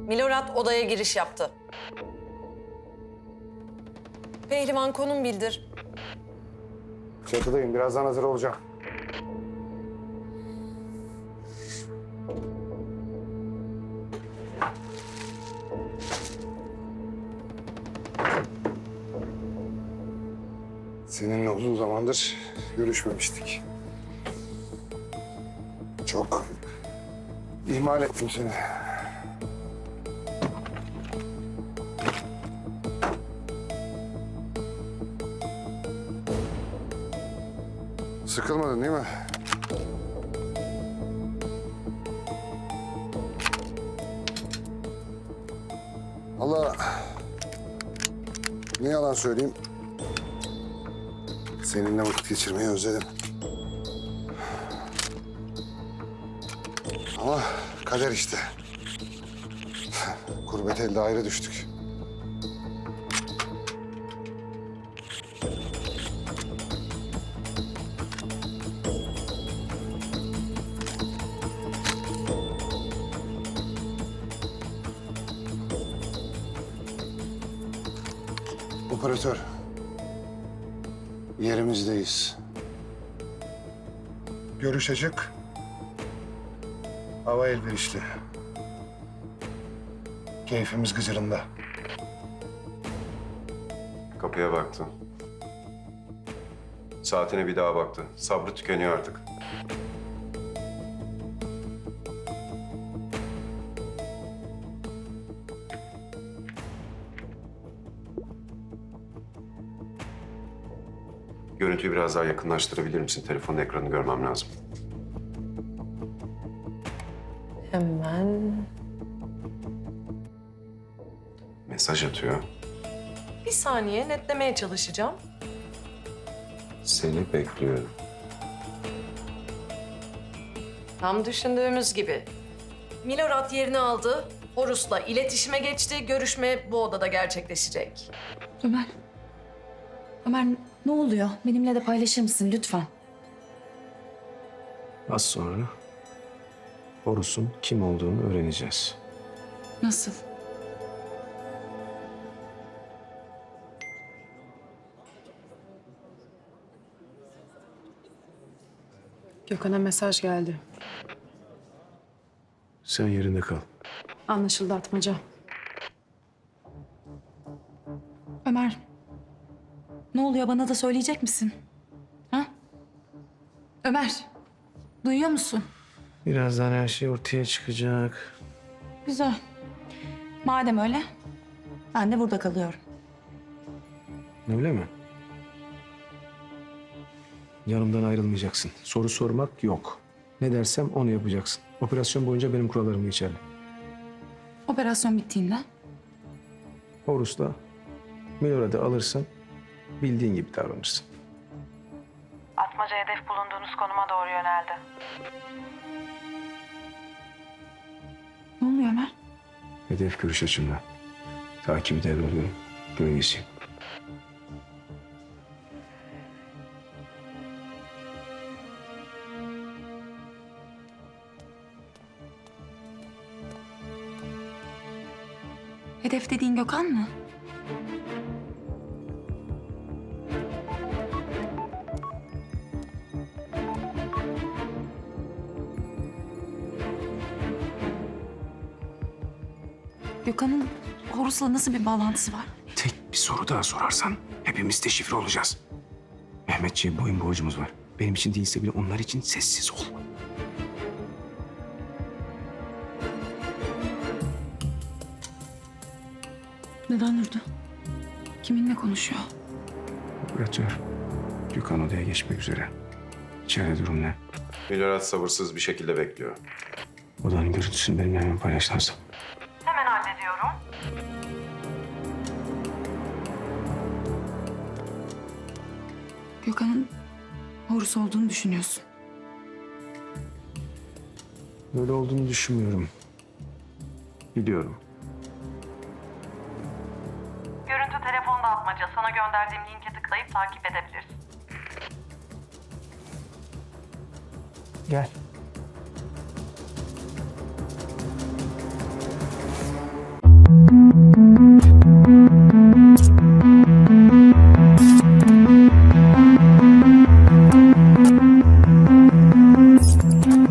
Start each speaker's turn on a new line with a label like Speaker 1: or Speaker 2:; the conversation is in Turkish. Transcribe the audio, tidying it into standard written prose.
Speaker 1: Milorad odaya giriş yaptı. Pehlivan konum bildir.
Speaker 2: Çatıdayım. Birazdan hazır olacağım. Seninle uzun zamandır görüşmemiştik. Çok ihmal ettim seni. Sıkılmadın değil mi? Allah, ne yalan söyleyeyim. Seninle vakit geçirmeyi özledim. Ama kader işte. Gurbet elde ayrı düştük. Operatör, yerimizdeyiz. Görüş açık. Hava elverişli. Keyfimiz gıcırında.
Speaker 3: Kapıya baktı. Saatine bir daha baktı. Sabrı tükeniyor artık. Görüntüyü biraz daha yakınlaştırabilir misin? Telefonun ekranını görmem lazım.
Speaker 1: Hemen.
Speaker 3: Mesaj atıyor.
Speaker 1: Bir saniye netlemeye çalışacağım.
Speaker 3: Seni bekliyorum.
Speaker 1: Tam düşündüğümüz gibi. Milorad yerini aldı. Horus'la iletişime geçti. Görüşme bu odada gerçekleşecek.
Speaker 4: Ömer. Ömer ne oluyor? Benimle de paylaşır mısın lütfen?
Speaker 5: Az sonra Horus'un kim olduğunu öğreneceğiz.
Speaker 4: Nasıl?
Speaker 6: Gökhan'a mesaj geldi.
Speaker 5: Sen yerinde kal.
Speaker 6: Anlaşıldı Atmaca.
Speaker 4: Ömer. Ne oluyor bana da söyleyecek misin? Ha? Ömer. Duyuyor musun?
Speaker 5: Birazdan her şey ortaya çıkacak.
Speaker 4: Güzel. Madem öyle ben de burada kalıyorum.
Speaker 5: Öyle mi? Yanımdan ayrılmayacaksın. Soru sormak yok. Ne dersem onu yapacaksın. Operasyon boyunca benim kurallarım geçerli.
Speaker 4: Operasyon bittiğinde
Speaker 5: Horus'la Milorad'ı alırsan bildiğin gibi davranırsın.
Speaker 7: Atmaca hedef bulunduğunuz konuma doğru yöneldi.
Speaker 4: ne oluyor Ömer?
Speaker 5: Hedef görüş açımda. Takibi devrediyorum. Gölgesiyim.
Speaker 4: Hedef dediğin Gökhan mı? Gökhan'ın Horus'la nasıl bir bağlantısı var?
Speaker 5: Tek bir soru daha sorarsan hepimiz deşifre olacağız. Mehmetçiğe boyun borcumuz var. Benim için değilse bile onlar için sessiz ol.
Speaker 4: Neden durdu? Kiminle konuşuyor?
Speaker 5: Operatör, Gökhan odaya geçmek üzere. İçeride durum ne?
Speaker 3: Milorad sabırsız bir şekilde bekliyor.
Speaker 5: Odanın görüntüsünü benimle hemen paylaşlarsın.
Speaker 7: Hemen hallediyorum.
Speaker 4: Gökhan'ın Horus olduğunu düşünüyorsun.
Speaker 5: Böyle olduğunu düşünmüyorum. Biliyorum.
Speaker 7: Görüntü telefonda Atmaca. Sana gönderdiğim linke tıklayıp takip edebilirsin.
Speaker 5: Gel.